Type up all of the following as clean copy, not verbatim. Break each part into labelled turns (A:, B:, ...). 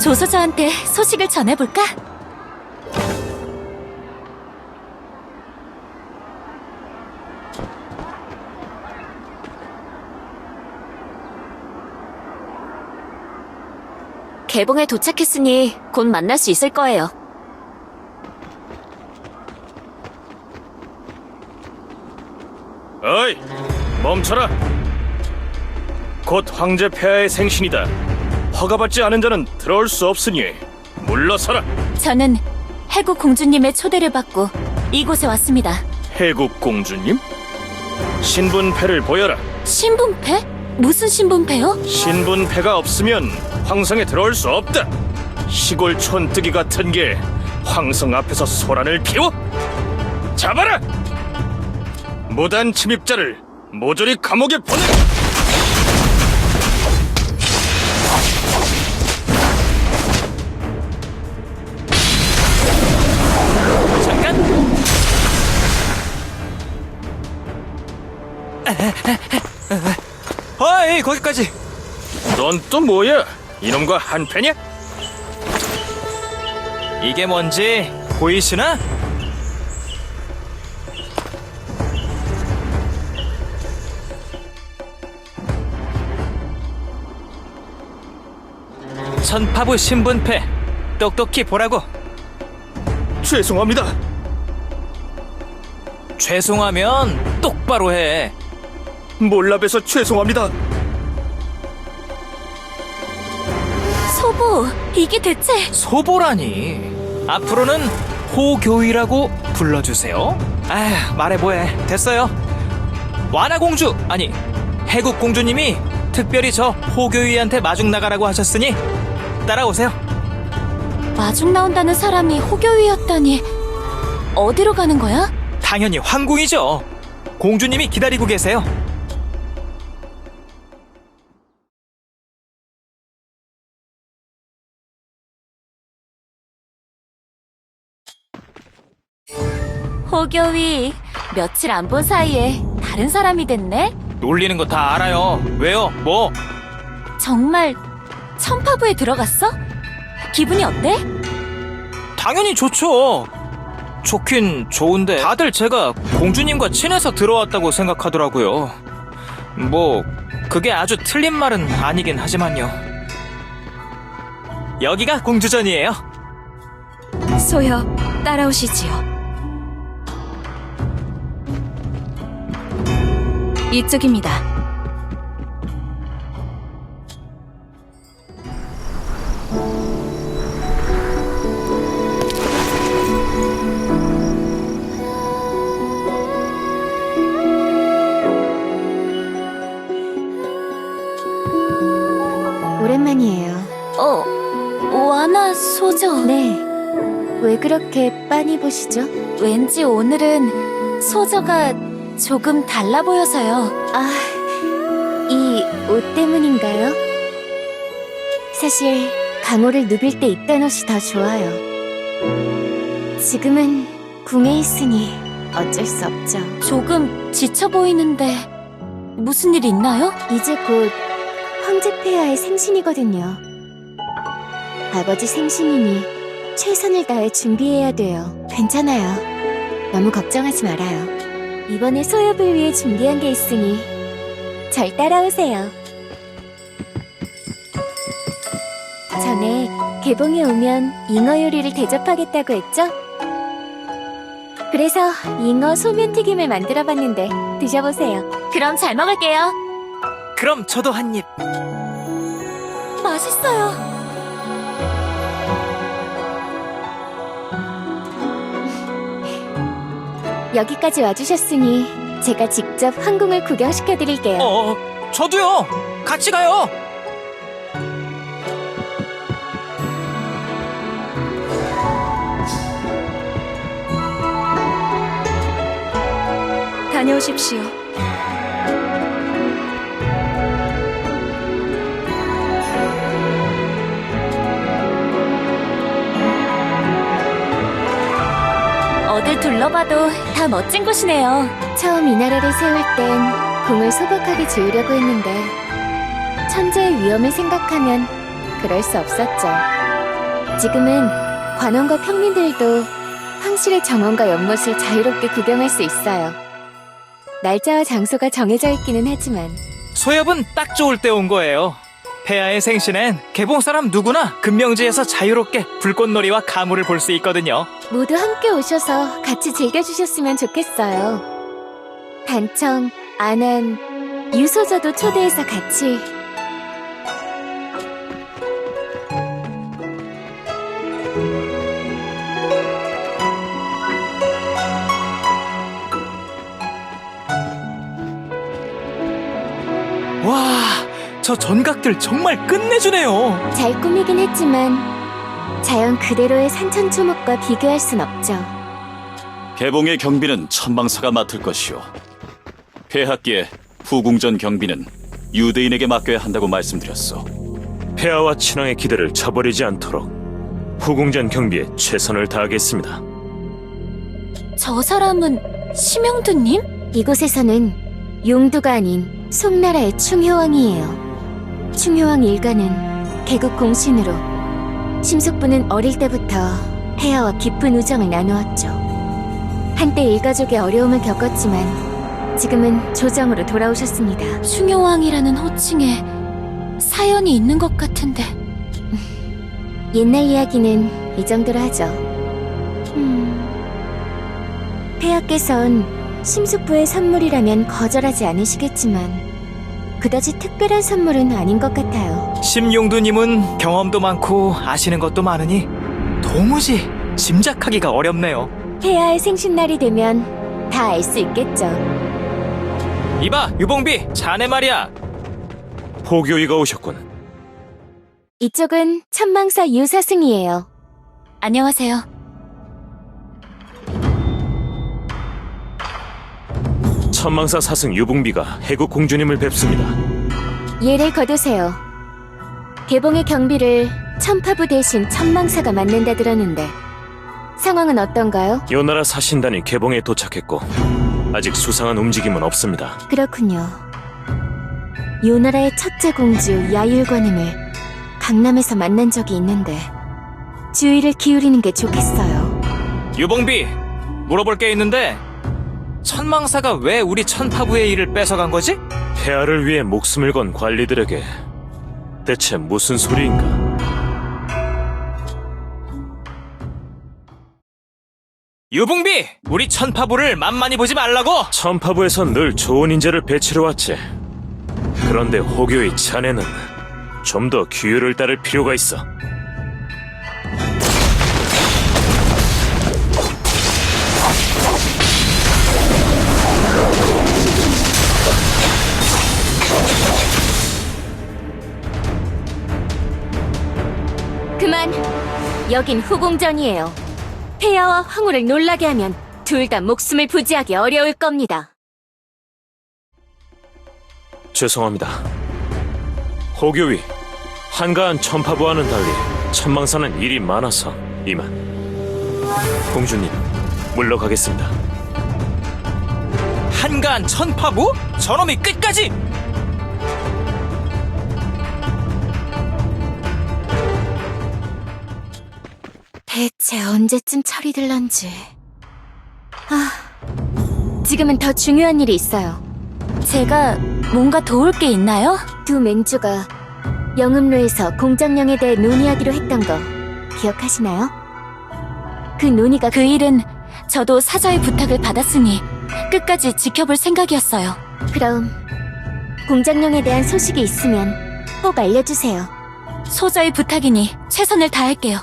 A: 조서저한테 소식을 전해볼까? 개봉에 도착했으니 곧 만날 수 있을 거예요.
B: 어이, 멈춰라. 곧 황제 폐하의 생신이다. 허가받지 않은 자는 들어올 수 없으니 물러서라.
A: 저는 해국 공주님의 초대를 받고 이곳에 왔습니다.
B: 해국 공주님? 신분패를 보여라.
A: 신분패? 무슨 신분패요?
B: 신분패가 없으면 황성에 들어올 수 없다. 시골 촌뜨기 같은 게 황성 앞에서 소란을 피워? 잡아라! 무단 침입자를 모조리 감옥에 보내!
C: 잠깐! 어이, 거기까지!
B: 넌 또 뭐야? 이놈과 한패냐?
C: 이게 뭔지 보이시나? 천파부 신분패 똑똑히 보라고.
B: 죄송합니다.
C: 죄송하면 똑바로 해.
B: 몰라봬서 죄송합니다.
A: 소보, 이게 대체...
C: 소보라니. 앞으로는 호교이라고 불러주세요. 아, 말해 뭐해. 됐어요. 완화공주, 아니 해국공주님이 특별히 저 호교이한테 마중 나가라고 하셨으니 따라오세요.
A: 마중 나온다는 사람이 호교위였다니... 어디로 가는 거야?
C: 당연히 황궁이죠. 공주님이 기다리고 계세요.
A: 호교위, 며칠 안 본 사이에 다른 사람이 됐네?
C: 놀리는 거 다 알아요. 왜요? 뭐?
A: 정말 천파부에 들어갔어? 기분이 어때?
C: 당연히 좋죠. 좋긴 좋은데 다들 제가 공주님과 친해서 들어왔다고 생각하더라고요. 뭐 그게 아주 틀린 말은 아니긴 하지만요. 여기가 공주전이에요.
A: 소여, 따라오시지요. 이쪽입니다.
D: 오랜만이에요.
A: 완화 소저.
D: 네. 왜 그렇게 빤히 보시죠?
A: 왠지 오늘은 소저가 조금 달라 보여서요.
D: 아, 이 옷 때문인가요? 사실 강호를 누빌 때 입던 옷이 더 좋아요. 지금은 궁에 있으니 어쩔 수 없죠.
A: 조금 지쳐 보이는데 무슨 일 있나요?
D: 이제 곧 황제 폐하의 생신이거든요. 아버지 생신이니 최선을 다해 준비해야 돼요. 괜찮아요. 너무 걱정하지 말아요. 이번에 소엽을 위해 준비한 게 있으니 절 따라오세요. 전에 개봉에 오면 잉어 요리를 대접하겠다고 했죠? 그래서 잉어 소면튀김을 만들어봤는데 드셔보세요.
A: 그럼 잘 먹을게요.
C: 그럼 저도 한 입.
A: 맛있어요.
D: 여기까지 와주셨으니 제가 직접 황궁을 구경시켜드릴게요.
C: 저도요. 같이 가요.
A: 다녀오십시오. 어딜 둘러봐도 다 멋진 곳이네요.
D: 처음 이 나라를 세울 땐 궁을 소박하게 지으려고 했는데 천재의 위험을 생각하면 그럴 수 없었죠. 지금은 관원과 평민들도 황실의 정원과 연못을 자유롭게 구경할 수 있어요. 날짜와 장소가 정해져 있기는 하지만
C: 소엽은 딱 좋을 때 온 거예요. 폐하의 생신엔 개봉 사람 누구나 금명지에서 자유롭게 불꽃놀이와 가물을 볼 수 있거든요.
D: 모두 함께 오셔서 같이 즐겨주셨으면 좋겠어요. 단청, 안한, 유소저도 초대해서 같이.
C: 와, 저 전각들 정말 끝내주네요.
D: 잘 꾸미긴 했지만 자연 그대로의 산천초목과 비교할 순 없죠.
E: 개봉의 경비는 천망사가 맡을 것이오. 폐하께 후궁전 경비는 유대인에게 맡겨야 한다고 말씀드렸소.
B: 폐하와 친왕의 기대를 저버리지 않도록 후궁전 경비에 최선을 다하겠습니다.
A: 저 사람은 심영두님?
D: 이곳에서는 용두가 아닌 송나라의 충효왕이에요. 충효왕 일가는 개국 공신으로 심숙부는 어릴 때부터 폐하와 깊은 우정을 나누었죠. 한때 일가족의 어려움을 겪었지만 지금은 조정으로 돌아오셨습니다.
A: 충효왕이라는 호칭에 사연이 있는 것 같은데.
D: 옛날 이야기는 이 정도로 하죠. 폐하께선 심숙부의 선물이라면 거절하지 않으시겠지만 그다지 특별한 선물은 아닌 것 같아요.
C: 심용두님은 경험도 많고 아시는 것도 많으니 도무지 짐작하기가 어렵네요.
D: 폐하의 생신날이 되면 다 알 수 있겠죠.
C: 이봐, 유봉비, 자네 말이야.
B: 호교이가 오셨군.
D: 이쪽은 천망사 유사승이에요.
A: 안녕하세요.
B: 천망사 사승 유봉비가 해국 공주님을 뵙습니다.
D: 예를 거두세요. 개봉의 경비를 천파부 대신 천망사가 맡는다 들었는데 상황은 어떤가요?
B: 요나라 사신단이 개봉에 도착했고 아직 수상한 움직임은 없습니다.
D: 그렇군요. 요나라의 첫째 공주 야율관음을 강남에서 만난 적이 있는데 주의를 기울이는 게 좋겠어요.
C: 유봉비, 물어볼 게 있는데 천망사가 왜 우리 천파부의 일을 뺏어간 거지?
B: 폐하를 위해 목숨을 건 관리들에게 대체 무슨 소리인가?
C: 유봉비, 우리 천파부를 만만히 보지 말라고!
B: 천파부에선 늘 좋은 인재를 배치해왔지. 그런데 호교의 자네는 좀 더 규율을 따를 필요가 있어.
D: 그만! 여긴 후궁전이에요. 폐하와 황후를 놀라게 하면 둘 다 목숨을 부지하기 어려울 겁니다.
B: 죄송합니다. 호교위, 한가한 천파부와는 달리 천망사는 일이 많아서 이만. 공주님, 물러가겠습니다.
C: 한가한 천파부? 저놈이 끝까지!
D: 대체 언제쯤 철이 들런지. 지금은 더 중요한 일이 있어요.
A: 제가 뭔가 도울 게 있나요?
D: 두 맹주가 영음로에서 공장령에 대해 논의하기로 했던 거 기억하시나요? 그 논의가
A: 그 일은 저도 사저의 부탁을 받았으니 끝까지 지켜볼 생각이었어요.
D: 그럼 공장령에 대한 소식이 있으면 꼭 알려주세요.
A: 소저의 부탁이니 최선을 다할게요.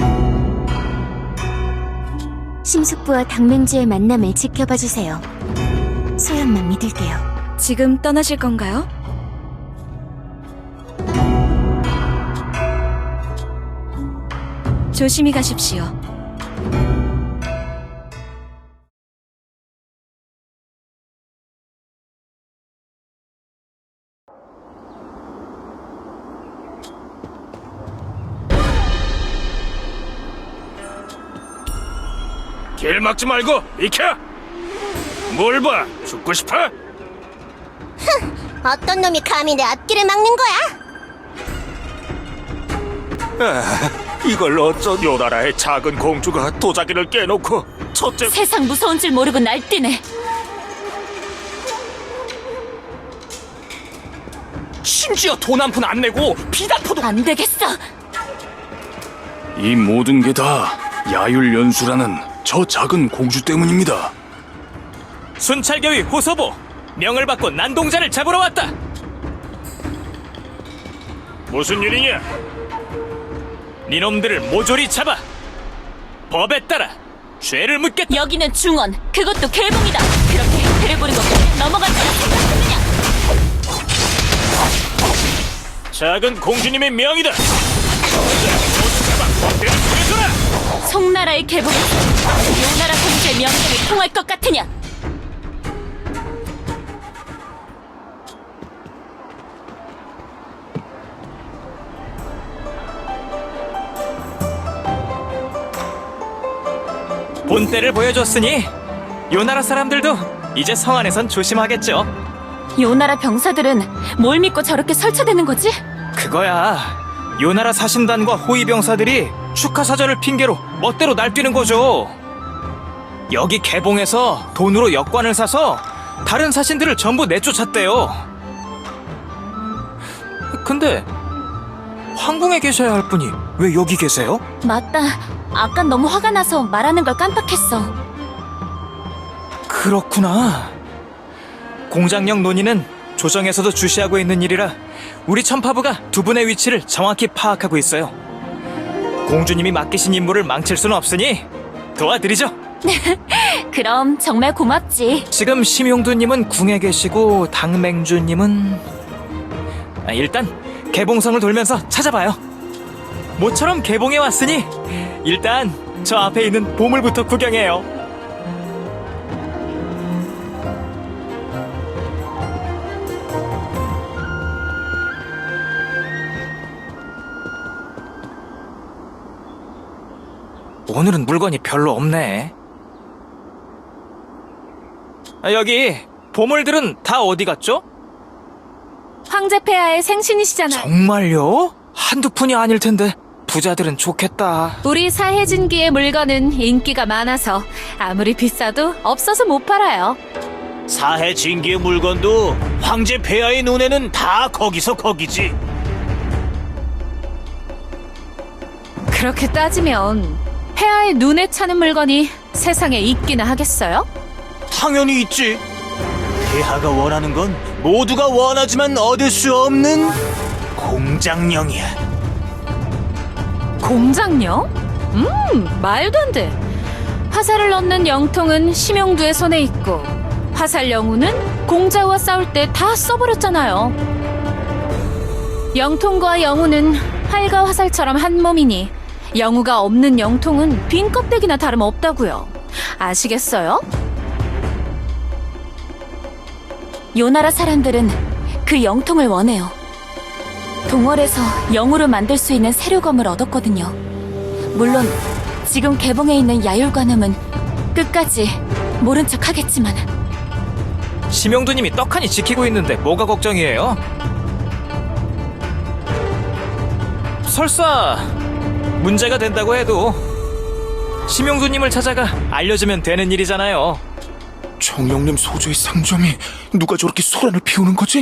D: 심숙부와 당맹주의 만남을 지켜봐주세요. 소연만 믿을게요.
F: 지금 떠나실 건가요? 조심히 가십시오.
B: 길 막지 말고 비켜! 뭘 봐? 죽고 싶어?
G: 어떤 놈이 감히 내 앞길을 막는 거야?
B: 이걸 어쩐 요나라의 작은 공주가 도자기를 깨놓고 첫째
A: 세상 무서운 줄 모르고 날뛰네.
B: 심지어 돈 한 푼 안 내고 비단포도
A: 안 되겠어.
G: 이 모든 게 다 야율연수라는 저 작은 공주 때문입니다.
C: 순찰교위 호서보, 명을 받고 난동자를 잡으러 왔다.
B: 무슨 일이냐?
C: 니놈들을 모조리 잡아 법에 따라 죄를 묻겠다.
A: 여기는 중원, 그것도 개봉이다. 그렇게 혜택을 보는 것까지 넘어갈 거라 생각하느냐?
B: 작은 공주님의 명이다. 모두 잡아 법대로 죽여줘라.
A: 송나라의 개봉에서 요나라 공주의 명령이 통할 것 같으냐?
C: 본때를 보여줬으니 요나라 사람들도 이제 성 안에선 조심하겠죠.
A: 요나라 병사들은 뭘 믿고 저렇게 설치되는 거지?
C: 그거야, 요나라 사신단과 호위 병사들이 축하사절을 핑계로 멋대로 날뛰는 거죠. 여기 개봉에서 돈으로 역관을 사서 다른 사신들을 전부 내쫓았대요. 근데 황궁에 계셔야 할 분이 왜 여기 계세요?
A: 맞다. 아까 너무 화가 나서 말하는 걸 깜빡했어.
C: 그렇구나. 공장력 논의는 조정에서도 주시하고 있는 일이라 우리 천파부가 두 분의 위치를 정확히 파악하고 있어요. 공주님이 맡기신 임무를 망칠 수는 없으니 도와드리죠.
A: 그럼 정말 고맙지.
C: 지금 심용두님은 궁에 계시고 당맹주님은 일단 개봉성을 돌면서 찾아봐요. 모처럼 개봉에 왔으니 일단 저 앞에 있는 보물부터 구경해요. 오늘은 물건이 별로 없네. 여기 보물들은 다 어디 갔죠?
D: 황제 폐하의 생신이시잖아요.
C: 정말요? 한두 푼이 아닐 텐데 부자들은 좋겠다.
D: 우리 사해진기의 물건은 인기가 많아서 아무리 비싸도 없어서 못 팔아요.
B: 사해 진기의 물건도 황제 폐하의 눈에는 다 거기서 거기지.
D: 그렇게 따지면 폐하의 눈에 차는 물건이 세상에 있기나 하겠어요?
B: 당연히 있지. 폐하가 원하는 건 모두가 원하지만 얻을 수 없는 공장령이야.
D: 공장령? 말도 안 돼. 화살을 넣는 영통은 심용두의 손에 있고 화살 영우는 공자와 싸울 때 다 써버렸잖아요. 영통과 영우는 활과 화살처럼 한 몸이니 영우가 없는 영통은 빈 껍데기나 다름없다고요. 아시겠어요?
A: 요나라 사람들은 그 영통을 원해요. 동월에서 영우를 만들 수 있는 세류검을 얻었거든요. 물론 지금 개봉해 있는 야율관음은 끝까지 모른 척 하겠지만.
C: 심영두님이 떡하니 지키고 있는데 뭐가 걱정이에요? 설사 문제가 된다고 해도 심영두님을 찾아가 알려주면 되는 일이잖아요.
G: 청령님 소조의 상점이 누가 저렇게 소란을 피우는 거지?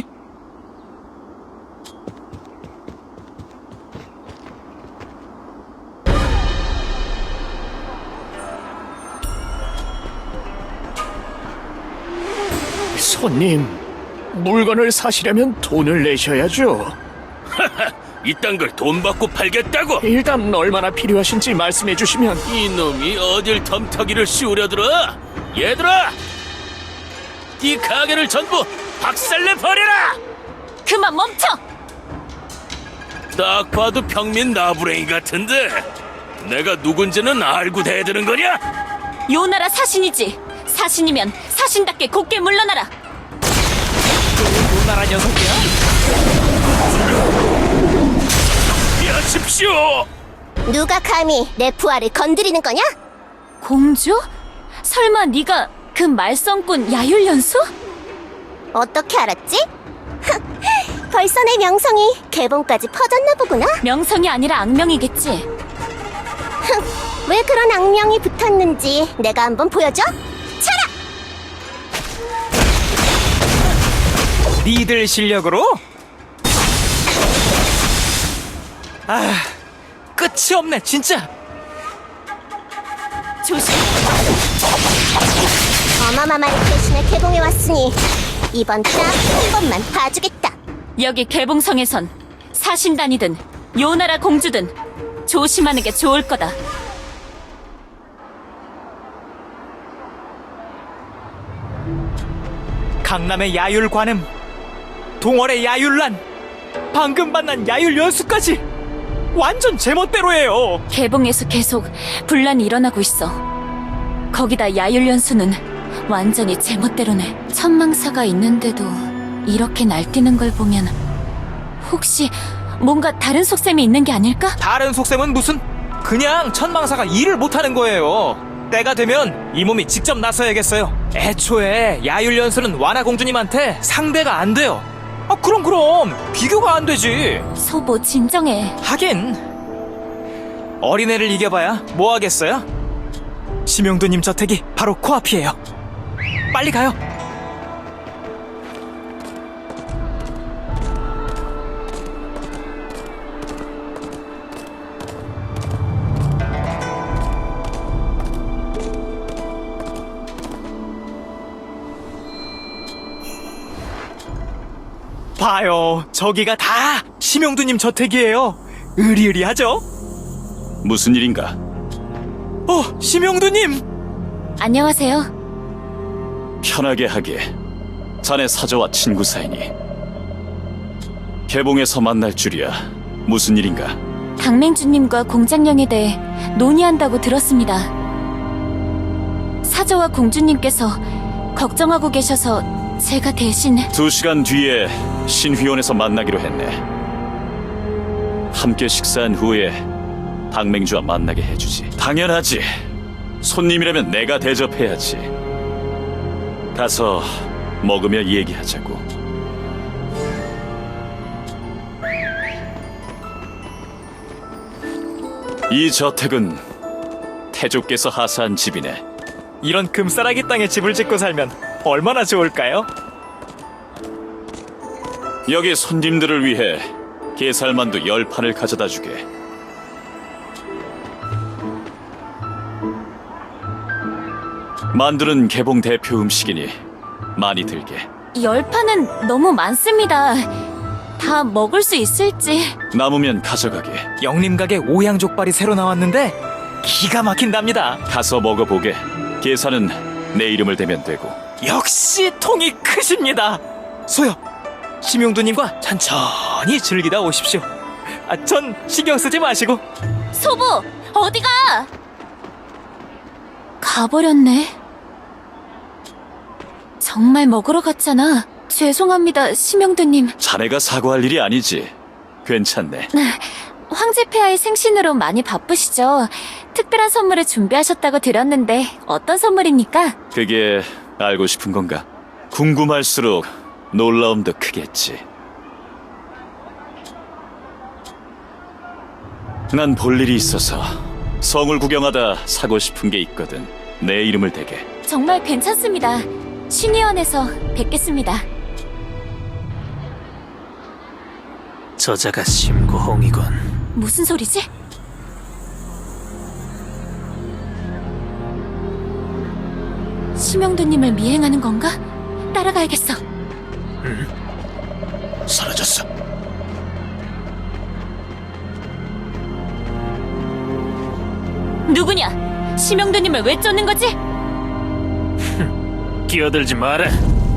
B: 손님, 물건을 사시려면 돈을 내셔야죠. 이딴 걸 돈 받고 팔겠다고? 일단 얼마나 필요하신지 말씀해 주시면. 이놈이 어딜 덤터기를 씌우려들어? 얘들아! 이 가게를 전부 박살내 버려라!
A: 그만 멈춰!
B: 딱 봐도 평민 나부랭이 같은데 내가 누군지는 알고 대드는 거냐?
A: 요나라 사신이지. 사신이면 사신답게 곱게 물러나라.
C: 요나라 녀석이야?
B: 피하십시오!
H: 누가 감히 내 부하를 건드리는 거냐?
A: 공주? 설마 네가 그 말썽꾼 야율연수?
H: 어떻게 알았지? 벌써 내 명성이 개봉까지 퍼졌나 보구나.
A: 명성이 아니라 악명이겠지.
H: 왜 그런 악명이 붙었는지 내가 한번 보여줘. 차라!
C: 니들 실력으로? 아, 끝이 없네 진짜.
A: 조심.
H: 어마마마를 대신에 개봉해 왔으니 이번 딱 한 번만 봐주겠다.
A: 여기 개봉성에선 사신단이든 요나라 공주든 조심하는 게 좋을 거다.
C: 강남의 야율 관음, 동월의 야율란, 방금 만난 야율 연수까지 완전 제멋대로예요.
A: 개봉에서 계속 분란이 일어나고 있어. 거기다 야율연수는 완전히 제멋대로네. 천망사가 있는데도 이렇게 날뛰는 걸 보면 혹시 뭔가 다른 속셈이 있는 게 아닐까?
C: 다른 속셈은 무슨? 그냥 천망사가 일을 못하는 거예요. 때가 되면 이 몸이 직접 나서야겠어요. 애초에 야율 연수는 완화 공주님한테 상대가 안 돼요. 아 그럼 비교가 안 되지.
A: 소보 진정해.
C: 하긴 어린애를 이겨봐야 뭐 하겠어요? 심용두님 저택이 바로 코앞이에요. 빨리 가요. 봐요, 저기가 다 심용두님 저택이에요. 으리으리하죠?
E: 무슨 일인가?
C: 심용두님!
A: 안녕하세요.
E: 편하게 하게. 자네 사저와 친구 사이니. 개봉에서 만날 줄이야. 무슨 일인가?
A: 당맹주님과 공장령에 대해 논의한다고 들었습니다. 사저와 공주님께서 걱정하고 계셔서 제가 대신
E: 2시간 뒤에 신휘원에서 만나기로 했네. 함께 식사한 후에 당맹주와 만나게 해주지. 당연하지. 손님이라면 내가 대접해야지. 가서 먹으며 얘기하자고. 이 저택은 태조께서 하사한 집이네.
C: 이런 금싸라기 땅에 집을 짓고 살면 얼마나 좋을까요?
E: 여기 손님들을 위해 게살만두 10판을 가져다 주게. 만두는 개봉 대표 음식이니 많이 들게.
A: 10판은 너무 많습니다. 다 먹을 수 있을지.
E: 남으면 가져가게.
C: 영림각에 오양족발이 새로 나왔는데 기가 막힌답니다.
E: 가서 먹어보게. 계산은 내 이름을 대면 되고.
C: 역시 통이 크십니다. 소요, 심용두님과 천천히 즐기다 오십시오. 전 신경 쓰지 마시고.
A: 소보, 어디가? 가버렸네. 정말 먹으러 갔잖아. 죄송합니다, 심영두님.
E: 자네가 사과할 일이 아니지. 괜찮네.
A: 황제폐하의 생신으로 많이 바쁘시죠? 특별한 선물을 준비하셨다고 들었는데 어떤 선물입니까?
E: 그게 알고 싶은 건가? 궁금할수록 놀라움도 크겠지. 난 볼 일이 있어서 성을 구경하다 사고 싶은 게 있거든. 내 이름을 대게.
A: 정말 괜찮습니다. 신의원에서 뵙겠습니다.
I: 저자가 심고홍이군.
A: 무슨 소리지? 심영두님을 미행하는 건가? 따라가야겠어.
G: 사라졌어.
A: 누구냐? 심영두님을 왜 쫓는 거지?
I: 끼어들지 마라.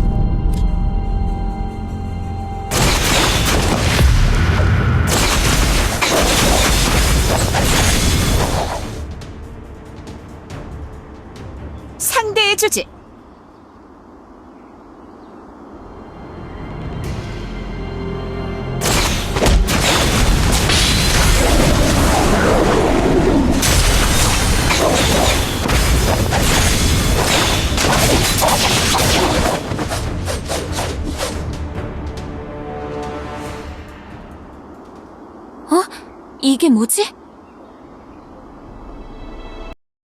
A: 상대해주지. 이게 뭐지?